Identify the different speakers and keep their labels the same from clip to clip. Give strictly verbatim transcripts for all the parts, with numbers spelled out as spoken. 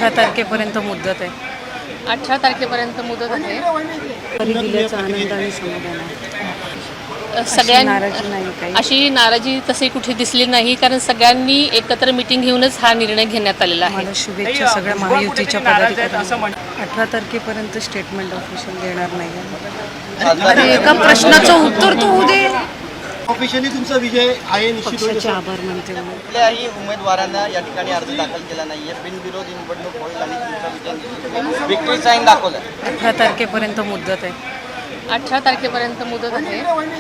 Speaker 1: अठरा तारखेपर्यंत मुदत आहे.
Speaker 2: अठरा तारखेपर्यंत मुदत आहे.
Speaker 1: तरी दिल्याचा आनंद आणि समाधान आहे.
Speaker 2: सगळ्यां
Speaker 1: नाराजी नाही काही.
Speaker 2: अशी नाराजी तशी कुठे दिसली नाही, कारण सगळ्यांनी एकत्र मीटिंग घेऊनच हा निर्णय घेण्यात आलेला आहे.
Speaker 1: मला शुभेच्छा सगळ्या महायुतीच्या पदाधिकाऱ्यांना. अठरा तारखेपर्यंत स्टेटमेंट ऑफिशियल देणार नाही. अरे एका प्रश्नाचं उत्तर तो होऊ दे.
Speaker 3: ऑफिशियली तुमचा विजय आहे निश्चित.
Speaker 1: पक्षाचे आभार मानते.
Speaker 4: कुठल्याही उमेदवारांना या ठिकाणी अर्ज दाखल केला नाहीये. बिनविरोध निवडणूक होईल आणि तुमचा विजय विक्ट्री साईन दाखवलं.
Speaker 1: अठरा तारखेपर्यंत मुदत आहे.
Speaker 2: अठरा तारखेपर्यंत मुदत आहे.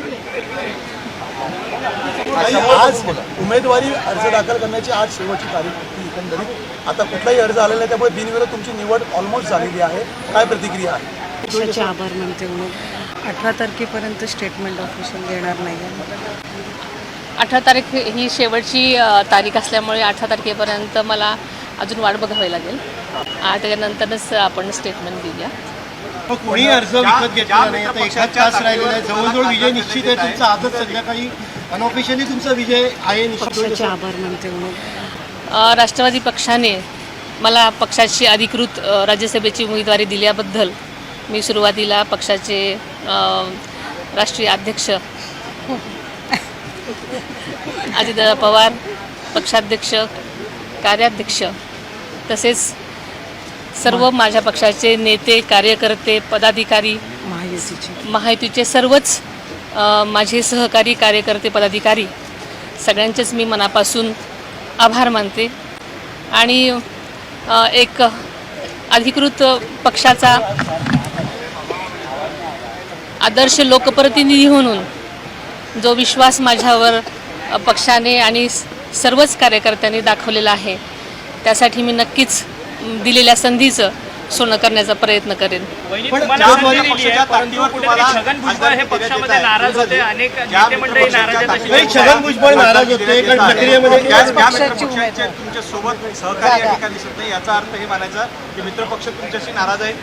Speaker 3: आज उमेदवारी अर्ज दाखल करण्याची आज शेवटची तारीख होती एकंदरीत. आता कुठलाही अर्ज आलेला आहे, त्यामुळे बिनविरोध तुमची निवड ऑलमोस्ट झालेली आहे. काय प्रतिक्रिया आहे?
Speaker 1: पक्षाचे आभार मानते. अठरा तारखेपर्यंत स्टेटमेंट ऑफिशियल देणार नाही.
Speaker 2: अठरा तारीख ही शेवटची अ, तारीख असल्यामुळे अठरा तारखेपर्यंत मला अजून वाट बघावी लागेल. आणि त्याच्यानंतरच आपण स्टेटमेंट देऊया.
Speaker 3: कोणी अर्ज विकत घेतला नाही. आता एकाच तास राहिलेला आहे. जवळजवळ विजय निश्चित आहे तुमचा. आजच संध्याकाळी अनऑफिशियली तुमचा विजय आहे निश्चित.
Speaker 1: पक्षाचे आभार मानते.
Speaker 2: अ, राष्ट्रवादी पक्षाने मला पक्षाची अधिकृत अ, राज्यसभेची उमेदवारी दिल्याबद्दल मी सुरुवातीला पक्षाचे अ, राष्ट्रीय अध्यक्ष अजितदादा पवार, पक्षाध्यक्ष, कार्याध्यक्ष तसेच सर्व माझ्या पक्षाचे नेते, कार्यकर्ते, पदाधिकारी,
Speaker 1: महायुतीचे
Speaker 2: महायुतीचे सर्वच अ, माझे सहकारी, कार्यकर्ते, पदाधिकारी सगळ्यांचेच मी मनापासून आभार मानते. आणि अ, एक अधिकृत पक्षाचा आदर्श लोकप्रतिनिधी म्हणून जो विश्वास माझ्यावर अ, पक्षाने आणि सर्वच कार्यकर्त्यांनी दाखवलेला आहे, त्यासाठी मी नक्कीच दिलेल्या संधीचं सोनं करण्याचा प्रयत्न करेन.
Speaker 3: छगन भुजबळ नाराज होते कारण प्रक्रियेमध्ये
Speaker 5: तुमच्या सोबत सहकारी या ठिकाणी दिसत नाही. याचा अर्थ हे मानायचा की मित्रपक्ष तुमच्याशी नाराज आहे.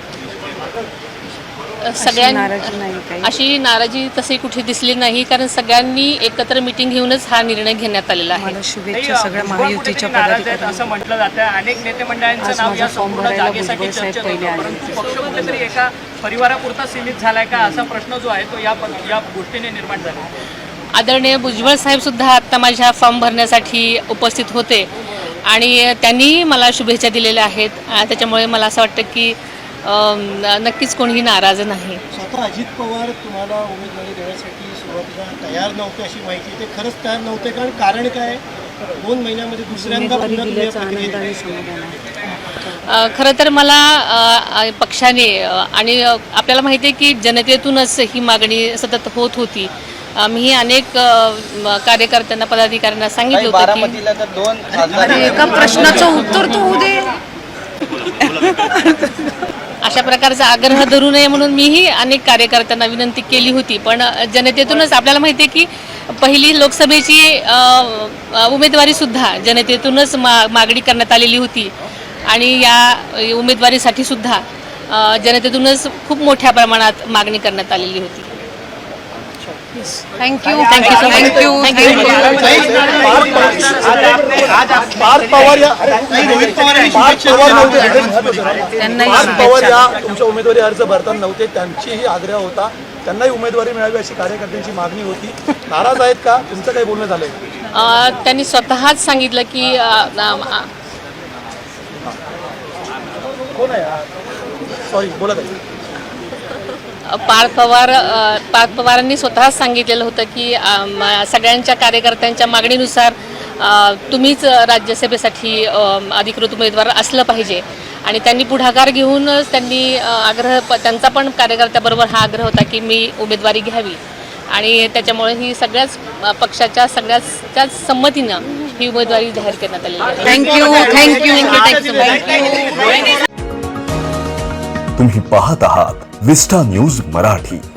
Speaker 2: सगळ्यां
Speaker 1: नाराजी नाही काही.
Speaker 2: अशी नाराजी तशी कुठे दिसली नाही, कारण सगळ्यांनी एकत्र मीटिंग घेऊनच हा निर्णय घेण्यात आलेला आहे.
Speaker 1: मला शुभेच्छा सगळ्या महायुतीच्या पदाधिकाऱ्यांना.
Speaker 6: असं म्हटलं जातं. अनेक नेते मंडळांचं नाव या संपूर्ण जागेसाठी चर्चेत होतं, परंतु पक्ष कुठेतरी एका परिवारापुरता सीमित झालाय का असा प्रश्न जो आहे तो या या गोष्टीने निर्माण झाला.
Speaker 2: आदरणीय भुजबळ साहेब सुद्धा आत्ता माझ्या फॉर्म भरण्यासाठी उपस्थित होते आणि त्यांनी मला शुभेच्छा दिलेल्या आहेत. त्याच्यामुळे मला असं वाटतं की नक्कीच कोणीही नाराज नाही.
Speaker 3: स्वतः अजित पवार तुम्हाला उमेदवारी देण्यासाठी सुरुवातीला तयार नव्हते अशी माहिती. ते खरंच तयार नव्हते, कारण कारण काय? दोन महिन्यामध्ये दुसऱ्यांदा
Speaker 1: उमेदवारी
Speaker 3: पुन्हा
Speaker 1: दिल्याचा
Speaker 3: तुम्ही
Speaker 1: आनंद आणि
Speaker 3: प्रक्रियेत
Speaker 1: समाधान आहे.
Speaker 2: अ, खरं तर मला अ, पक्षाने अ, आणि अ, आपल्याला माहिती आहे की जनतेतूनच ही मागणी सतत होत होती. अ, मी अनेक अ, म, कार्यकर्त्यांना, पदाधिकाऱ्यांना सांगितलं होतं की
Speaker 4: बारामतीला तर दोन खासदार
Speaker 1: अरे एका प्रश्नाचं उत्तर तो होऊ दे.
Speaker 2: अशा प्रकारचा आग्रह धरू नये म्हणून मीही अनेक कार्यकर्त्यांना विनंती केली होती. पण जनतेतूनच आपल्याला माहिती आहे की पहिली लोकसभेची अ, अ, उमेदवारीसुद्धा जनतेतूनच मा मागणी करण्यात आलेली होती आणि या उमेदवारीसाठी सुद्धा अ, जनतेतूनच खूप मोठ्या प्रमाणात मागणी करण्यात आलेली होती.
Speaker 1: Thank you thank you thank you thank you.
Speaker 3: Parth Pawar या रोहित पवार यांनी शुभेच्छा दिल्या.
Speaker 1: त्यांनाही
Speaker 7: पार्थ पवार
Speaker 1: शुभेच्छा.
Speaker 7: या तुमच्या उमेदवारी अर्ज भरताना नव्हते. त्यांचीही आग्रह होता, त्यांनाही उमेदवारी मिळावी अशी कार्यकर्त्यांची मागणी होती. नाराज आहेत का? तुमचं काही बोलणं झालंय?
Speaker 2: अ, त्यांनी स्वतःच सांगितलं की अ, अ,
Speaker 7: कोण आहे? सॉरी, बोला ताई.
Speaker 2: पार्थ पवार अ, पार्थ पवारांनी स्वतःच सांगितलेलं होतं की अ, म- सगळ्यांच्या कार्यकर्त्यांच्या मागणीनुसार अ, तुम्हीच राज्यसभेसाठी अ, अधिकृत उमेदवार असलं पाहिजे. आणि त्यांनी पुढाकार घेऊनच त्यांनी अ, आग्रह प त्यांचा पण कार्यकर्त्याबरोबर हा आग्रह होता की मी उमेदवारी घ्यावी. आणि त्याच्यामुळे ही सगळ्याच अ, पक्षाच्या सगळ्याच संमतीनं ही उमेदवारी जाहीर करण्यात आलेली आहे.
Speaker 1: Thank you thank you thank you.
Speaker 8: तुम्ही पाहत आहात विस्टा न्यूज मराठी.